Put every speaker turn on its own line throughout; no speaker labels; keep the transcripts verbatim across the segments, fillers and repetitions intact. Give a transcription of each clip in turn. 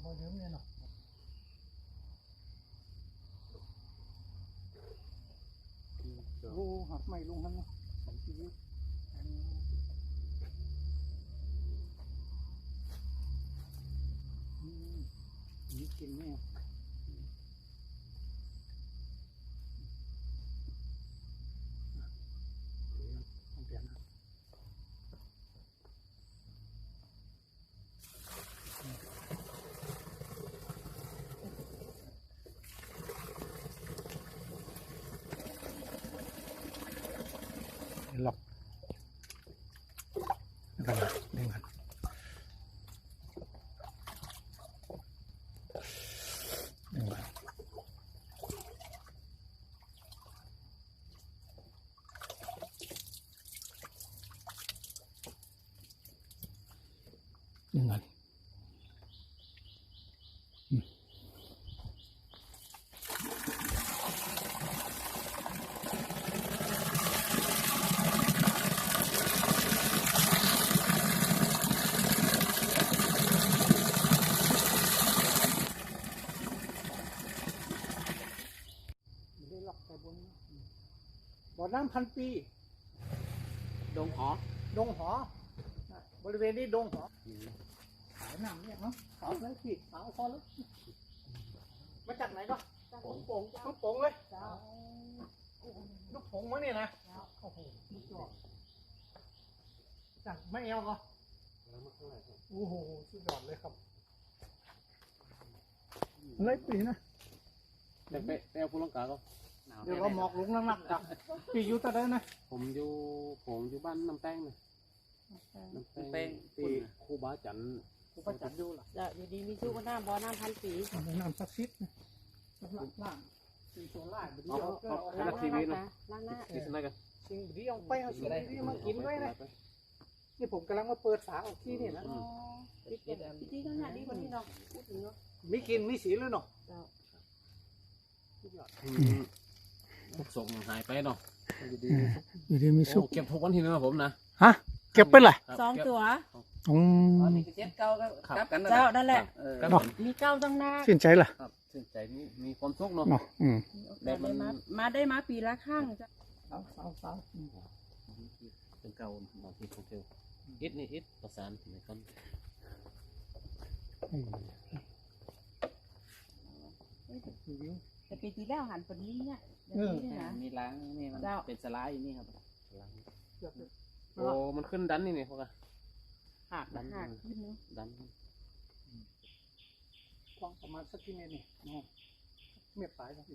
เดิมเนี่ยเนาะโอ้หักไม่ลงทั้งนั้นสองชีวิตนี่กินไหมต้องเปลี่ยนนะล็อกกันนะเด้งกันเด้งกันเด้งกันบ่อน้ำพันปีดงหอดงหอบริเวณนี้ดงหอขายน้ำเนี่ยเนาะขาวแล้วสิขาวพอแล้วมาจากไหนก็จากลูกโป่งลูกโป่งเลยลูกโป่งวะเนี่ยนะโอ้โหลูกจอดจากไม่เอวก็โอ้โหสุดยอดเลยครับอะไรปีนะ
แต่ไปไปเอาผู้ลังกาก็
เดี๋ยวเราหมอกลงนักๆจ้ะปีอยู่ตะเดินนะ
ผมอยู่ผมอยู่บ้านน้ำแป้งนะน้ำแป้งที่ครูบาจัน
ครูบาจันอยู่ล่ะ
จะอยู่ดีมีชื่อว่าน้ำบ่อน้ำพันปี
น้ำศักดิ์สิทธิ์สำหรับล่างสิ่งโซล่าบดีเอา
เอาเอาทีวีนะ
ล้างหน้า
ดิสนะกัน
สิ่งดีเอาไปเอาสิ่งดีมากินด้วยนะนี่ผมกำลังมาเปิดฝาออกที่นี่นะ
พิธีพิธีก็งานดีกว่านี้เนาะพูดถึงเนาะ
มีกินมีสีเลยเนาะ
ทุกส่งหายไปเนาะ
อยู่ดีอยู่ดีมีสุข
เก็บทุกวันที่นะผมนะ
ฮะเก็บไปเลย
สองตัว
อืม
นี่เจ็ดเก้าก็กลับกัน
เจ้านั่นแหละมีเก้าตั้งหน้า
ชื่นใจล่ะ
ชื่นใจมีมีความสุขเนาะ
อืม
ได้มามาได้มาปีละครั้งจ้ะ
สาวสาวสาว
เป็นเก่าบางทีของเทลอิดนี่อิดประสานในคน
แต่ปีที่แล้วหันปนี้เนี่ย
มีล้างนี่มันเป็นสไลด์นี่ครับโอ้มันขึ้นดันนี่นี่พวกอะ
หักดันหักขึ้นเนาะ
ดัน
กว้างประมาณสักกี่เมตรนี่เมตรปลายครับ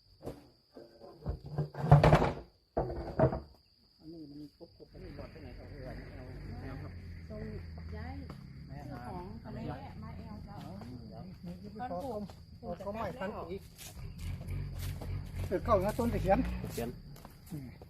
อันนี้มันครบครบไปหมดที่ไหนเอาเอาเอาครับ
ตรงย้ายเจ้าของอะไรมาเอลเจ้า
ต้นปลูกเขาใหม่พันปีเกิดเข้านะต้นตะเคียน
ตะเคียน